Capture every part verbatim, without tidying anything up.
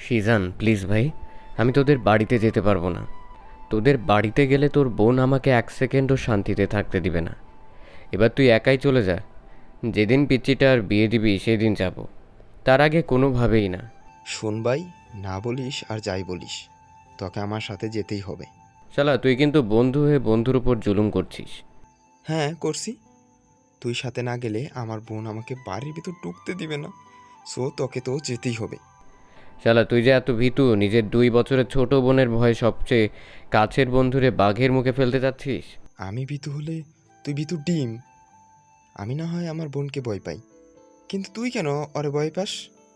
Sijan please ভাই, আমি তোদের বাড়িতে যেতে পারবো না। তোদের বাড়িতে গেলে তোর বোন আমাকে এক সেকেন্ডও শান্তিতে থাকতে দিবে না। এবার তুই একাই চলে যা। যেদিন পিচ্চিটার বিয়ে দিবি সেদিন যাব, তার আগে কোনোভাবেই না। শোন ভাই, না বলিস আর যাই বলিস, তোকে আমার সাথে যেতেই হবে। শালা তুই কিন্তু বন্ধু হয়ে বন্ধুর উপর জুলুম করছিস। হ্যাঁ করছি। তুই সাথে না গেলে আমার বোন আমাকে বাড়ির ভিতর ঢুকতে দিবে না, সো তোকে তো যেতেই হবে। শালা তুই যে এত ভীতু, নিজের দুই বছরের ছোট বোনের ভয়ে সবচেয়ে কাছের বন্ধুরে বাঘের মুখে ফেলতে চাচ্ছিস। আমি ভীতু হলে তুই ভীতু ডিম। আমি না হয় আমার বোনকে ভয় পাই, কিন্তু তুই কেন ওরে ভয় পাস?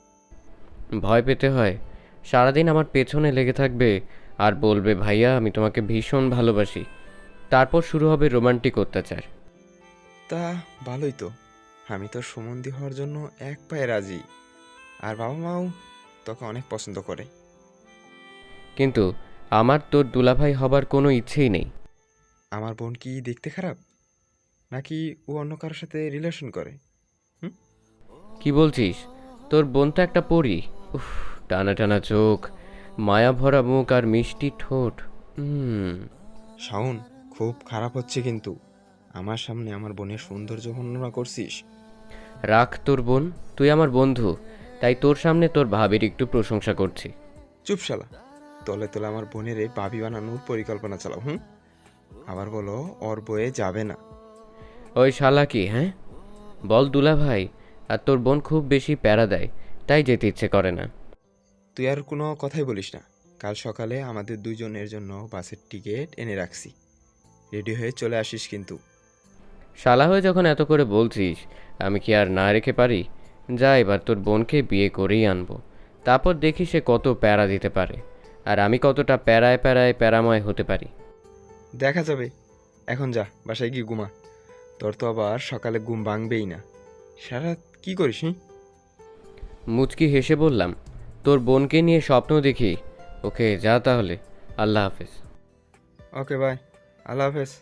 ভয় পেতে হয়? সারাদিন আমার পেছনে লেগে থাকবে আর বলবে ভাইয়া আমি তোমাকে ভীষণ ভালোবাসি, তারপর শুরু হবে রোমান্টিক অত্যাচার। তা ভালোই তো, আমি তোর সম্বন্ধী হওয়ার জন্য এক পায়ে রাজি। আর বাবা মাও তোকে অনেক পছন্দ করে। কিন্তু আমার তোর দুলাভাই হবার কোনো ইচ্ছেই নেই। আমার বোন কি দেখতে খারাপ, নাকি ও অন্য কারোর সাথে রিলেশন করে? হুম? কি বলছিস? তোর বোন তো একটা পরী। উফ, টানা টানা চোখ, মায়া ভরা মুখ আর মিষ্টি ঠোঁট। হুম। শাওন, খুব খারাপ হচ্ছে কিন্তু। আমার সামনে আমার বোনের সৌন্দর্য বর্ণনা করছিস। রাখ তোর বোন, তুই আমার বন্ধু, তাই তোর সামনে তোর ভাবির একটু প্রশংসা করছি। চুপ শালা, তলে তলে আমার বোনের এই ভাবি বানানোর পরিকল্পনা চালাও। হুম? আবার বলো ওর বয়ে যাবে না। ওই শালা কি, হ্যাঁ? বল দুলাভাই, আর তোর বোন খুব বেশি প্যারা দেয়, তাই যেতে ইচ্ছে করে না। তুই আর কোনো কথাই বলিস না। কাল সকালে আমাদের দুজনের জন্য বাসের টিকিট এনে রাখছি, রেডি হয়ে চলে আসিস কিন্তু। শালা হয়ে যখন এত করে বলছিস, আমি কি আর না রেখে পারি? যা, এবার তোর বোনকে বিয়ে করেই আনবো, তারপর দেখি সে কত প্যারা দিতে পারে, আর আমি কতটা প্যারায় প্যারায় প্যারাময় হতে পারি। দেখা যাবে। এখন যা, বাসায় গিয়ে ঘুমা। তোর তো আবার সকালে ঘুম ভাঙবেই না। সারা রাত কি করিস? হুম? মুচকি হেসে বললাম, তোর বোনকে নিয়ে স্বপ্ন দেখি। ওকে যা তাহলে, আল্লাহ হাফেজ। ওকে বাই, আল্লাহ হাফেজ।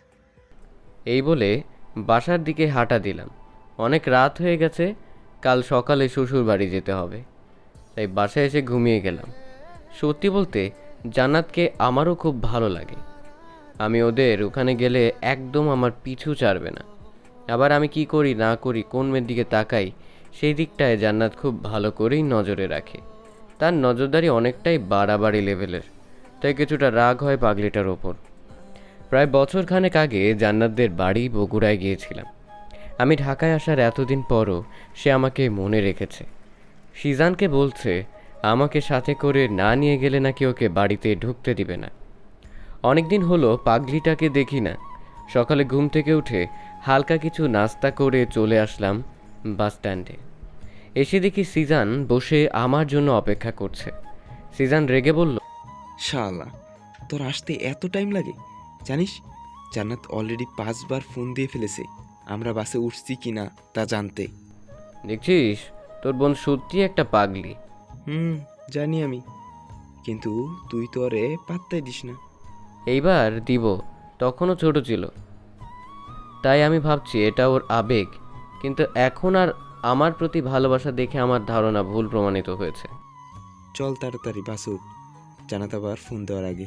এই বলে বাসার দিকে হাঁটা দিলাম। অনেক রাত হয়ে গেছে, কাল সকালে শ্বশুর বাড়ি যেতে হবে, তাই বাসায় এসে ঘুমিয়ে গেলাম। সত্যি বলতে জান্নাতকে আমারও খুব ভালো লাগে। আমি ওদের ওখানে গেলে একদম আমার পিছু ছাড়বে না। আবার আমি কি করি না করি, কোন মেয়ের দিকে তাকাই, সেই দিকটায় জান্নাত খুব ভালো করেই নজরে রাখে। তার নজরদারি অনেকটাই বাড়াবাড়ি লেভেলের, তাই কিছুটা রাগ হয় পাগলিটার ওপর। প্রায় বছর খানেক আগে জান্নাতদের বাড়ি বগুড়ায় গিয়েছিলাম। আমি ঢাকায় আসার এতদিন পরও সে আমাকে মনে রেখেছে। সিজানকে বলছে আমাকে সাথে করে না নিয়ে গেলে নাকি ওকে বাড়িতে ঢুকতে দিবে না। অনেকদিন হলো পাগলিটাকে দেখি না। সকালে ঘুম থেকে উঠে হালকা কিছু নাস্তা করে চলে আসলাম বাস স্ট্যান্ডে। এসে দেখি সিজান বসে আমার জন্য অপেক্ষা করছে। সিজান রেগে বলল, শালা, তোর আসতে এত টাইম লাগে? জানিস, জান্নাত অলরেডি পাঁচবার ফোন দিয়ে ফেলেছে আমরা বাসে উঠছি কি না তা জানতে। দেখছিস তোর বোন সত্যি একটা পাগলি। হুম, জানি আমি, কিন্তু তুই তো আরে পাত্তাই দিস না। এইবার দিব, তখনও ছোট ছিল, তাই আমি ভাবছি এটা ওর আবেগ, কিন্তু এখন আর আমার প্রতি ভালোবাসা দেখে আমার ধারণা ভুল প্রমাণিত হয়েছে। চল তাড়াতাড়ি বাসে উঠ, জানাত আবার ফোন দেওয়ার আগে।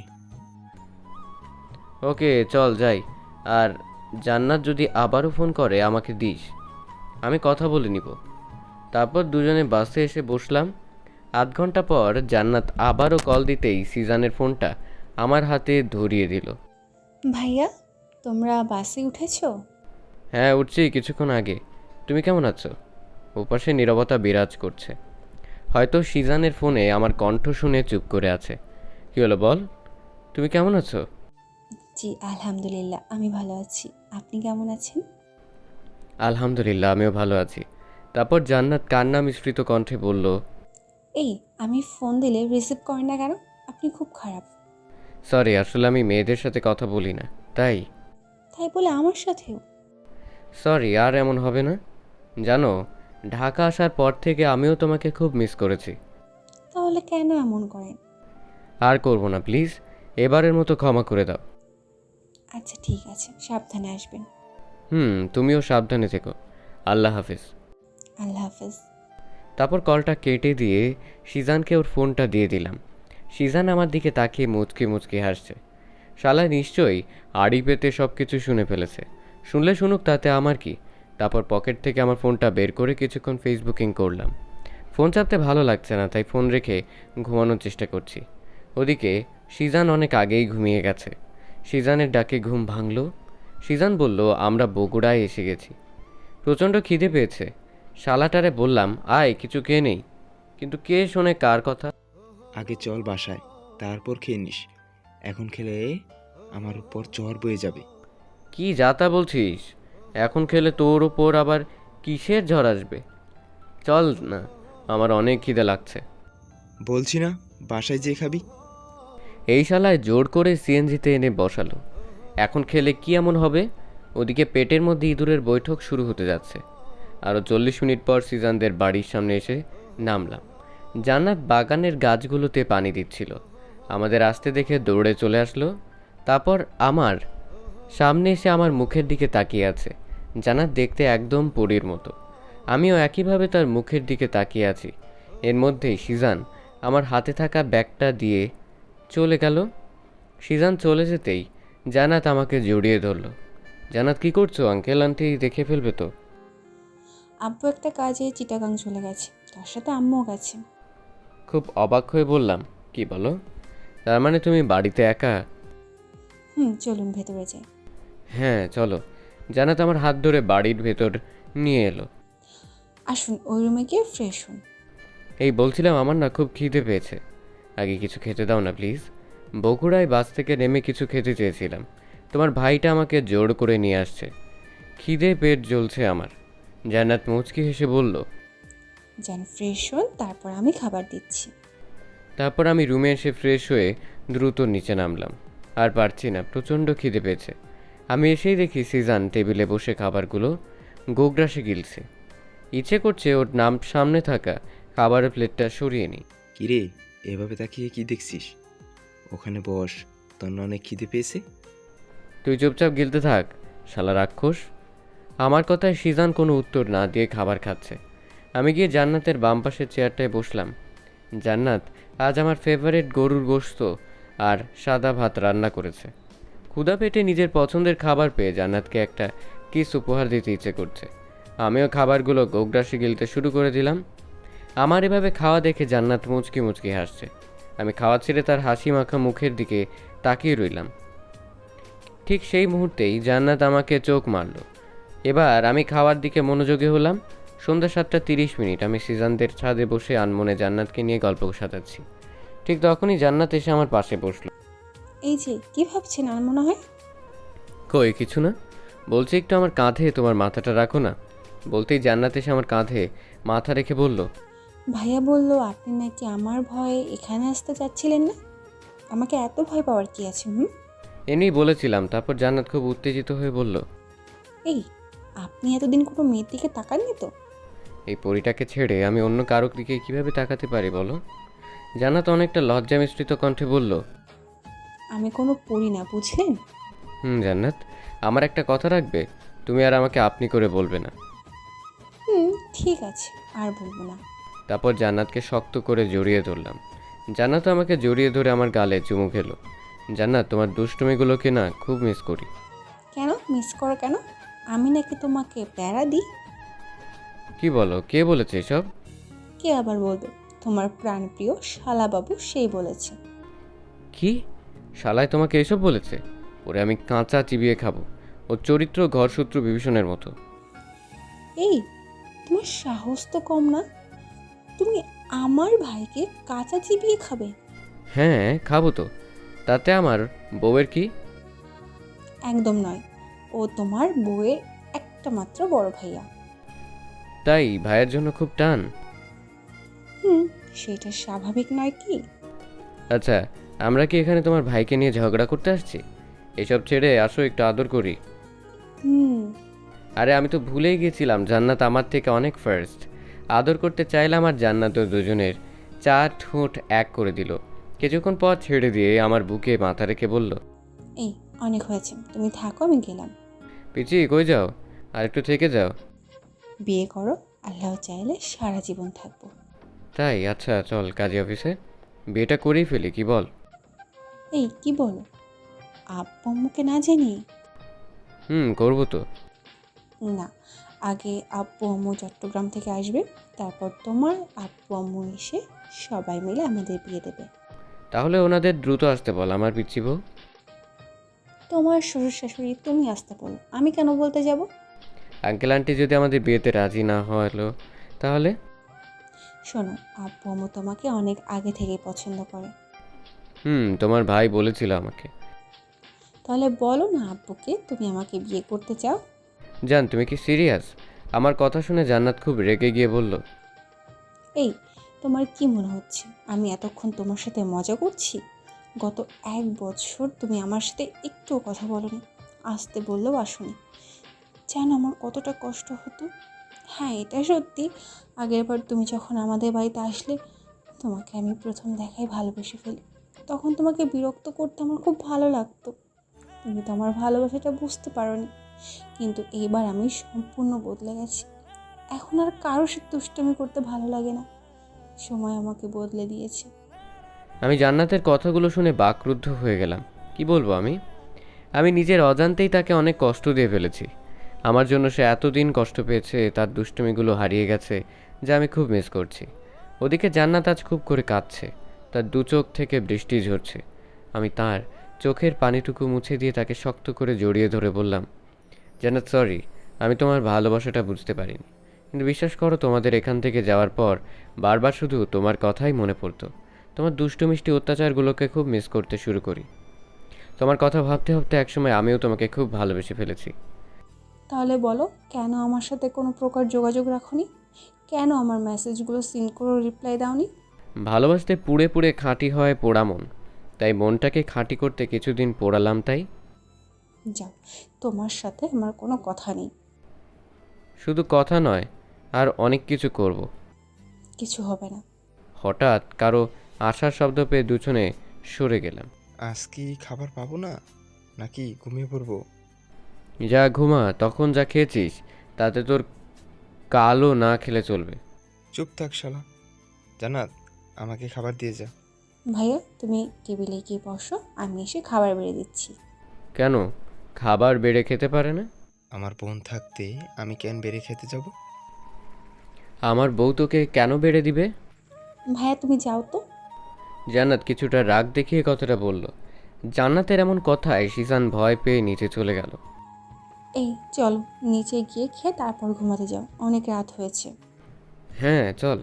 ওকে চল যাই। আর জান্নাত যদি আবারও ফোন করে আমাকে দিস, আমি কথা বলে নিব। তারপর দুজনে বাসে এসে বসলাম। আধ ঘন্টা পর জান্নাত আবারও কল দিতেই সিজানের ফোনটা আমার হাতে ধরিয়ে দিল। ভাইয়া, তোমরা বাসে উঠেছো? হ্যাঁ উঠছি কিছুক্ষণ আগে। তুমি কেমন আছো? ওপাশে নীরবতা বিরাজ করছে। হয়তো সিজানের ফোনে আমার কণ্ঠ শুনে চুপ করে আছে। কি হলো বল, তুমি কেমন আছো? জি আলহামদুলিল্লাহ, আমি ভালো আছি। আপনি কেমন আছেন? আলহামদুলিল্লাহ আমিও ভালো আছি। তারপর জান্নাত কান্না মিশ্রিত কণ্ঠে বলল, এই, আমি ফোন দিলে রিসিভ করেন না কেন? আপনি খুব খারাপ। সরি, আসলে আমি মেয়েদের সাথে কথা বলি না, তাই। তাই বলে আমার সাথেও? সরি, আর এমন হবে না। জানো, ঢাকা আসার পর থেকে আমিও তোমাকে খুব মিস করেছি। তাহলে কেন এমন করেন? আর করব না প্লিজ, এবারের মতো ক্ষমা করে দাও। আচ্ছা ঠিক আছে, সাবধানে আসবেন। হুম, তুমিও সাবধানে থেকো। আল্লাহ হাফিজ। আল্লাহ হাফেজ। তারপর কলটা কেটে দিয়ে সিজানকে ওর ফোনটা দিয়ে দিলাম। সিজান আমার দিকে তাকিয়ে মুচকি মুচকি হাসছে। শালা নিশ্চয়ই আড়ি পেতে সব কিছু শুনে ফেলেছে। শুনলে শুনুক, তাতে আমার কি। তারপর পকেট থেকে আমার ফোনটা বের করে কিছুক্ষণ ফেসবুকিং করলাম। ফোন চাপতে ভালো লাগছে না, তাই ফোন রেখে ঘুমানোর চেষ্টা করছি। ওদিকে সিজান অনেক আগেই ঘুমিয়ে গেছে। সিজানের ডাকে ঘুম ভাঙল। সিজান বলল, আমরা বগুড়ায় এসে গেছি। প্রচণ্ড খিদে পেয়েছে। শালাটারে বললাম, আয় কিছু খেয়ে নেই, কিন্তু কে শোনে কার কথা। আগে চল বাসায়, তারপর খেয়ে নিস। এখন খেলে আমার উপর চর বয়ে যাবে। কি যাতা বলছিস? এখন খেলে তোর ওপর আবার কিসের ঝড় আসবে? চল না, আমার অনেক খিদে লাগছে। বলছি না বাসায় যেয়ে খাবি। এই শালায় জোর করে সিএনজিতে এনে বসালো। এখন খেলে কি এমন হবে? ওদিকে পেটের মধ্যে ইঁদুরের বৈঠক শুরু হতে যাচ্ছে। আরও চল্লিশ মিনিট পর সিজানদের বাড়ির সামনে এসে নামলাম। জান্নাত বাগানের গাছগুলোতে পানি দিচ্ছিল। আমাদের আসতে দেখে দৌড়ে চলে আসলো। তারপর আমার সামনে এসে আমার মুখের দিকে তাকিয়ে আছে। জান্নাত দেখতে একদম পরীর মতো। আমিও একইভাবে তার মুখের দিকে তাকিয়ে আছি। এর মধ্যেই সিজান আমার হাতে থাকা ব্যাগটা দিয়ে চলে গেল। সিজান চলে যেতেই জান্নাত আমাকে জড়িয়ে ধরল। জান্নাত, কি করছো? আঙ্কেল আন্টি দেখে ফেলবে তো। আব্বু একটা কাজে চিটাগাং চলে গেছে, তার সাথে আম্মুও গেছে। খুব অবাক হয়ে বললাম, কি বলো? তার মানে তুমি বাড়িতে একা? হুম, চলুন ভেতরে যাই। হ্যাঁ চলো। জান্নাত আমার হাত ধরে বাড়ির ভেতর নিয়ে এলো। আসুন, ওই রুমে গিয়ে ফ্রেশ হন। এই বলছিলাম, আমার না খুব খিদে পেয়েছে। আগে কিছু খেতে দাও না প্লিজ। বগুড়ায় বাস থেকে নেমে কিছু খেতে চেয়েছিলাম। তোমার ভাইটা আমাকে জোর করে নিয়ে আসছে। খিদে পেট জ্বলছে আমার। জান্নাত মুচকি হেসে বলল। যান ফ্রেশ হন, তারপর আমি খাবার দিচ্ছি। তারপর আমি রুমে এসে ফ্রেশ হয়ে দ্রুত নিচে নামলাম। আর পারছি না, প্রচণ্ড খিদে পেয়েছে। আমি এসেই দেখি সিজান টেবিলে বসে খাবারগুলো গোগ্রাসে গিলছে। ইচ্ছে করছে ওর নাম সামনে থাকা খাবারের প্লেটটা সরিয়ে নিই। কিরে, এভাবে তাকিয়ে কি দেখছিস? ওখানে বস, তোর না অনেক খিদে পেয়েছে। তুই চুপচাপ গিলতে থাক, শালা রাক্ষস। আমার কথায় সিজান কোনো উত্তর না দিয়ে খাবার খাচ্ছে। আমি গিয়ে জান্নাতের বাম পাশের চেয়ারটায় বসলাম। জান্নাত আজ আমার ফেভারিট গরুর গোশত আর সাদা ভাত রান্না করেছে। ক্ষুধা পেটে নিজের পছন্দের খাবার পেয়ে জান্নাতকে একটা কিস উপহার দিতে ইচ্ছে করছে। আমিও খাবারগুলো গোগ্রাসে গিলতে শুরু করে দিলাম। আমার এভাবে খাওয়া দেখে জান্নাত মুচকি মুচকি হাসছে। আমি খাওয়া ছেড়ে তার হাসি মাখা মুখের দিকে তাকিয়ে রইলাম। ঠিক সেই মুহূর্তেই জান্নাত আমাকে চোখ মারল। এবার আমি খাওয়ার দিকে মনোযোগী হলাম। সন্ধ্যা সাতটা তিরিশ মিনিট আমি সিজানদের ছাদে বসে আনমনে জান্নাতকে নিয়ে গল্প সাজাচ্ছি। ঠিক তখনই জান্নাত এসে আমার পাশে বসলো। এই যে, কি ভাবছেন আর মনে হয়? কই কিছু না, বলছি একটু আমার কাঁধে তোমার মাথাটা রাখো না। বলতেই জান্নাত এসে আমার কাঁধে মাথা রেখে বলল, ভাইয়া বলল আপনি নাকি আমার ভয়ে এখানে আসতে চাচ্ছিলেন না। আমাকে এত ভয় পাওয়ার কি আছে? হুম, এমনি বলেছিলাম। তারপর জান্নাত খুব উত্তেজিত হয়ে বলল, এই আপনি এতদিন কোনো মেয়ের দিকে তাকাননি তো? এই পরিটাকে ছেড়ে আমি অন্য কারো দিকে কীভাবে তাকাতে পারি বলো? জান্নাত অনেকটা লজ্জা মিশ্রিত কণ্ঠে বলল, আমি কোনো পড়ি না, বুঝলেন? হুম জান্নাত, আমার একটা কথা রাখবে? তুমি আর আমাকে আপনি করে বলবে না। হুম, ঠিক আছে, আর বলবো না। তারপর জান্নাতকে শক্ত করে জড়িয়ে ধরলাম। জান্নাত আমাকে জড়িয়ে ধরে আমার গালে চুমু খেলো। জান্নাত, তোমার দুষ্টুমিগুলোকে না খুব মিস করি। কেন মিস করো কেন? আমি নাকি তোমাকে প্যারা দিই? কি বলো? কে বলেছে এসব? কে আবার বলবে? তোমার প্রাণপ্রিয় শালাবাবু সেই বলেছে। কি? শালায় তোমাকে এসব বলেছে? ওরে আমি কাঁচা চিবিয়ে খাবো। ওর চরিত্র ঘরশত্রু বিভীষণের মতো। এই, তোমার সাহস তো কম না। তুমি আমার ভাইকে কাঁচা চিবিয়ে খাবে? হ্যাঁ খাবো তো, তাতে আমার বউয়ের কি? একদম নয়, ও তোমার বউয়ের একটা মাত্র বড় ভাইয়া। তাই ভাইয়ের জন্য খুব টান? হুম, সেটা স্বাভাবিক নয় কি? আচ্ছা, আমরা কি এখানে তোমার ভাইকে নিয়ে ঝগড়া করতে আসছি? এসব ছেড়ে আসো, একটু আদর করি। হুম, আরে আমি তো ভুলেই গেছিলাম, জান্নাত আমার থেকে অনেক ফার্স্ট। আদর করতে চাইলাম আর জান্নাত ও দুজনের চার ঠোঁট এক করে দিল। কিছুক্ষণ পর ছেড়ে দিয়ে আমার বুকে মাথা রেখে বলল, এই অনেক হয়েছে, তুমি থাকো, আমি গেলাম। পিচি কই যাও? আর একটু থেকে যাও। বিয়ে করো, আল্লাহ চাইলে সারা জীবন থাকবো। তাই? আচ্ছা চল কাজী অফিসে, বিয়েটা করেই ফেলি, কি বল? এই কি বলো, আব্বু আম্মুকে না জানিয়ে? হুম, করবো তো। না, আগে আব্বু আম্মু চট্টগ্রাম থেকে আসবে, তারপর তোমার আব্বু আম্মু এসে সবাই মিলে আমাদের বিয়ে দেবে। তাহলে ওনাদের দ্রুত আসতে বল, আমার পিচ্ছি বউ। তোমার শ্বশুর শাশুড়ি তুমি আসতে বলো, আমি কেন বলতে যাব? আঙ্কেল আন্টি যদি আমাদের বিয়েতে রাজি না হলো তাহলে? শোনো, আব্বু আম্মু তোমাকে অনেক আগে থেকেই পছন্দ করে। হুম, তোমার ভাই বলেছিল আমাকে। তাহলে বলো না আব্বুকে তুমি আমাকে বিয়ে করতে চাও। জান, তুমি কি সিরিয়াস? আমার কথা শুনে জান্নাত খুব রেগে গিয়ে বলল, এই, তোমার কি মনে হচ্ছে আমি এতক্ষণ তোমার সাথে মজা করছি? গত এক বছর তুমি আমার সাথে একটুও কথা বলোনি, আসতে বললেও আসোনি। জানো আমার কতটা কষ্ট হতো? হ্যাঁ, এটা সত্যি, আগেরবার তুমি যখন আমাদের বাড়িতে আসলে তোমাকে আমি প্রথম দেখাই ভালোবেসে ফেলি। তখন তোমাকে বিরক্ত করতে আমার খুব ভালো লাগতো, তুমি তো আমার ভালোবাসাটা বুঝতে পারোনি। কিন্তু এইবার আমি সম্পূর্ণ বদলে গেছি, এখন আর কারোর সাথে দুষ্টামি করতে ভালো লাগে না। সময় আমাকে বদলে দিয়েছে। আমি জান্নাতের কথাগুলো শুনে বাকরুদ্ধ হয়ে গেলাম। কি বলবো আমি? আমি নিজের অজান্তেই তাকে অনেক কষ্ট দিয়ে ফেলেছি। আমার জন্য সে এতদিন কষ্ট পেয়েছে, তার দুষ্টুমিগুলো হারিয়ে গেছে, যা আমি খুব মিস করছি। ওদিকে জান্নাত আজ খুব করে কাঁদছে, তার দু চোখ থেকে বৃষ্টি ঝরছে। আমি তার চোখের পানিটুকু মুছে দিয়ে তাকে শক্ত করে জড়িয়ে ধরে বললাম, জান্নাত সরি, আমি তোমার ভালোবাসাটা বুঝতে পারিনি। কিন্তু বিশ্বাস করো, তোমাদের এখান থেকে যাওয়ার পর বারবার শুধু তোমার কথাই মনে পড়তো। তোমার দুষ্টু মিষ্টি অত্যাচারগুলোকে খুব মিস করতে শুরু করি। তোমার কথা ভাবতে ভাবতে একসময় আমিও তোমাকে খুব ভালোবেসে ফেলেছি। তাহলে বলো, কেন আমার সাথে কোনো প্রকার যোগাযোগ রাখোনি? কেন আমার মেসেজগুলো সিন করে রিপ্লাই দাওনি? ভালোবাসতে পুড়ে পুড়ে খাঁটি হয় পোড়া মন, তাই মনটাকে খাঁটি করতে কিছুদিন পোড়ালাম। তাই যাও, তোমার সাথে আমার কোনো কথা নেই। শুধু কথা নয়, আর অনেক কিছু করব। কিছু হবে না। হঠাৎ কারো আশার শব্দ পেয়ে দুজনে সরে গেলাম। আজ কি খাবার পাবো না, নাকি ঘুমিয়ে পড়বো? যা ঘুমা, তখন যা খেয়েছিস তাতে তোর কালও না খেলে চলবে। চুপ থাক শালা। জান্নাত, আমাকে খাবার দিয়ে যা। ভাইয়া তুমি টেবিলে গিয়ে বসো, আমি এসে খাবার বেড়ে দিচ্ছি। কেন? খাবার বেড়ে খেতে পারে না? আমার বোন থাকতে আমি কেন বেড়ে খেতে যাব? আমার বউ তোকে কেন বেড়ে দিবে? ভাইয়া তুমি যাও তো। জান্নাত কিছুটা রাগ দেখিয়ে কথাটা বলল। জান্নাতের এমন কথায় শিজান ভয় পেয়ে নিচে চলে গেল। এই চলো, নিচে গিয়ে খেয়ে তারপর ঘুমাতে যাও, অনেক রাত হয়েছে। হ্যাঁ চল।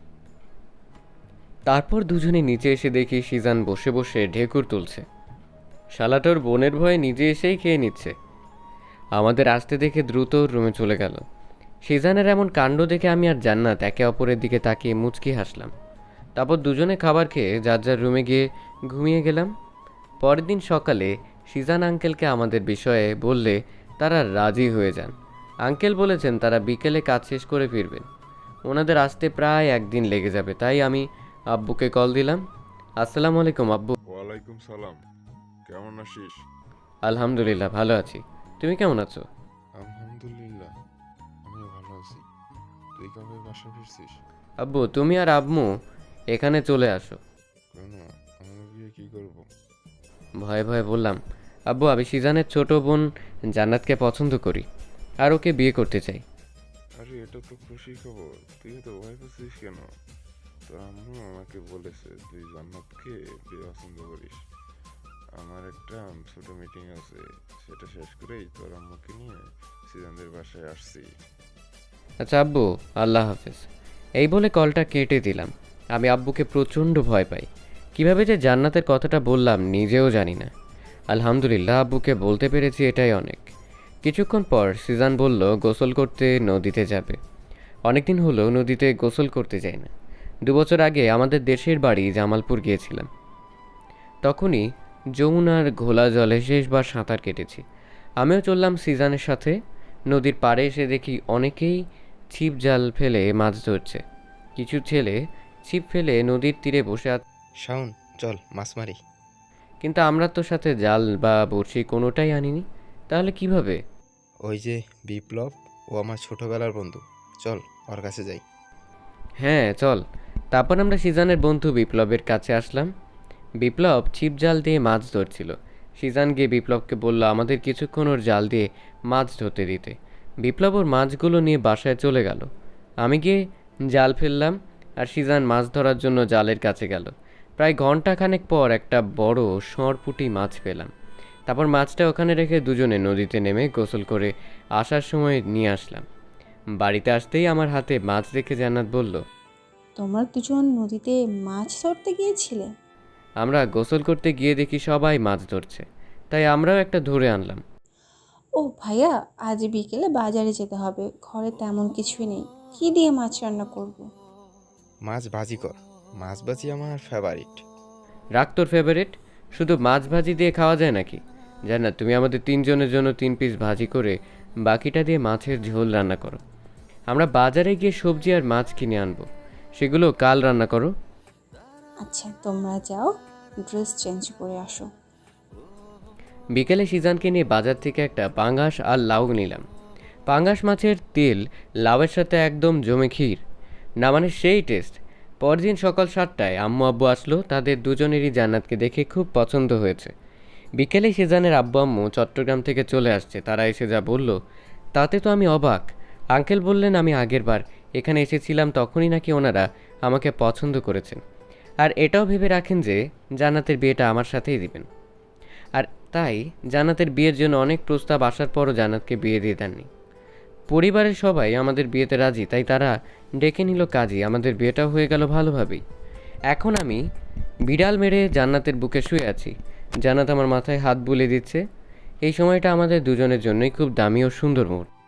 তারপর দুজনে নিচে এসে দেখি শিজান বসে বসে ঢেকুর তুলছে। শালাটোর বোনের ভয়ে নিজে এসেই খেয়ে নিচ্ছে। আমাদের আসতে দেখে দ্রুত রুমে চলে গেল। শিজানের এমন কাণ্ড দেখে আমি আর জান্নাত একে অপরের দিকে তাকিয়ে মুচকি হাসলাম। তারপর দুজনে খাবার খেয়ে যার যার রুমে গিয়ে ঘুমিয়ে গেলাম। পরের দিন সকালে শিজান আঙ্কেলকে আমাদের বিষয়ে বললে তারা রাজি হয়ে যান। আঙ্কেল বলেছেন তারা বিকেলে কাজ শেষ করে ফিরবেন, ওনাদের আসতে প্রায় একদিন লেগে যাবে। তাই আমি আব্বুকে কল দিলাম। আসসালামু আলাইকুম আব্বু। ওয়ালাইকুম সালাম। কেমন আছিস? আলহামদুলিল্লাহ ভালো আছি, তুমি কেমন আছো? আলহামদুলিল্লাহ, আমিও ভালো আছি। তুই কবে বাসা ফিরছিস? আব্বু তুমি আর আম্মু এখানে চলে আসো। কেন, আমরা গিয়ে কি করব? ভয়ে ভয়ে বললাম, আব্বু আমি সিজানের ছোট বোন জান্নাতকে পছন্দ করি আর ওকে বিয়ে করতে চাই। আরে এটা তো খুশি খবর, তুই তো ভয় পাচ্ছিস কেন? তো আম্মু আমাকে বলেছে তুই জান্নাতকে বিয়ে পছন্দ করিস। আমার একটা ছোট মিটিং আছে, সেটা শেষ করেই তোর আম্মুকে নিয়ে সিজানদের বাসায় আসছি। আচ্ছা আব্বু, আল্লাহ হাফেজ। এই বলে কলটা কেটে দিলাম। আমি আব্বুকে প্রচণ্ড ভয় পাই, কিভাবে যে জান্নাতের কথাটা বললাম নিজেও জানি না। আলহামদুলিল্লাহ আব্বুকে বলতে পেরেছি, এটাই অনেক। কিছুক্ষণ পর সিজান বলল গোসল করতে নদীতে যাবে। অনেকদিন হলো নদীতে গোসল করতে যাই না। দু বছর আগে আমাদের দেশের বাড়ি জামালপুর গিয়েছিলাম, তখনই যমুনার ঘোলা জলে শেষবার সাঁতার কেটেছি। আমিও চললাম সিজানের সাথে। নদীর পাড়ে এসে দেখি অনেকেই ছিপ জাল ফেলে মাছ ধরছে। কিছু ছেলে ছিপ ফেলে নদীর তীরে বসে আছে, শাওন, চল মাছ মারি। কিন্তু আমরা তো সাথে জাল বা বড়শি কোনোটাই আনিনি। তাহলে কিভাবে? ওই যে বিপ্লব, ও আমার ছোটবেলার বন্ধু, চল। ওর কাছে যাই। হ্যাঁ চল। তারপর আমরা সিজানের বন্ধু বিপ্লবের কাছে আসলাম। বিপ্লব ছিপ জাল দিয়ে মাছ ধরছিল। সিজান গিয়ে বিপ্লবকে বলল আমাদের কিছুক্ষণ ওর জাল দিয়ে মাছ ধরতে দিতে। বিপ্লব ওর মাছগুলো নিয়ে বাসায় চলে গেল। আমি গিয়ে জাল ফেললাম আর সিজান মাছ ধরার জন্য জালের কাছে গেল। প্রায় ঘন্টাখানেক পর একটা বড় সরপুঁটি মাছ পেলাম। তারপর মাছটা ওখানে রেখে দুজনে নদীতে নেমে গোসল করে আসার সময় নিয়ে আসলাম। বাড়িতে আসতেই আমার হাতে মাছ দেখে জান্নাত বলল, তোমরা দুজন নদীতে মাছ ধরতে গিয়েছিলে? আমরা গোসল করতে গিয়ে দেখি সবাই মাছ ধরছে, তাই আমরাও একটা ধরে আনলাম। ও ভাইয়া, আজ বিকেলে বাজারে যেতে হবে, ঘরে তেমন কিছুই নেই। কি দিয়ে মাছ রান্না করব? মাছ ভাজি কর, মাছ ভাজি আমার ফেভারিট। রাখ তোর ফেভারিট, শুধু মাছ ভাজি দিয়ে খাওয়া যায় নাকি? জান্নাত, তুমি আমাদের তিনজনের জন্য তিন পিস ভাজি করে বাকিটা দিয়ে মাছের ঝোল রান্না করো। আমরা বাজারে গিয়ে সবজি আর মাছ কিনে আনবো, সেগুলো কাল রান্না করো। আচ্ছা, তোমরা যাও, ড্রেস চেঞ্জ করে আসো। বিকেলে সিজানকে নিয়ে বাজার থেকে একটা পাঙ্গাস আর লাউ নিলাম। পাঙ্গাস মাছের তেল লাউয়ের সাথে একদম জমে ক্ষীর, না মানে সেই টেস্ট। পরদিন সকাল সাতটায় আম্মু আব্বু আসলো, তাদের দুজনেরই জান্নাতকে দেখে খুব পছন্দ হয়েছে। বিকেলে সিজানের আব্বু আম্মু চট্টগ্রাম থেকে চলে আসছে। তারা এসে যা বলল তাতে তো আমি অবাক। আঙ্কেল বললেন আমি আগের বার এখানে এসেছিলাম তখনই নাকি ওনারা আমাকে পছন্দ করেছেন, আর এটাও ভেবে রাখেন যে জান্নাতের বিয়েটা আমার সাথেই দিবেন। আর তাই জান্নাতের বিয়ের জন্য অনেক প্রস্তাব আসার পরও জান্নাতকে বিয়ে দিয়ে দেননি। পরিবারের সবাই আমাদের বিয়েতে রাজি, তাই তারা ডেকে নিল কাজী। আমাদের বিয়েটাও হয়ে গেল ভালোভাবেই। এখন আমি বিড়াল মেরে জান্নাতের বুকে শুয়ে আছি। জান্নাত আমার মাথায় হাত বুলিয়ে দিচ্ছে। এই সময়টা আমাদের দুজনের জন্যই খুব দামি ও সুন্দর মুহূর্ত।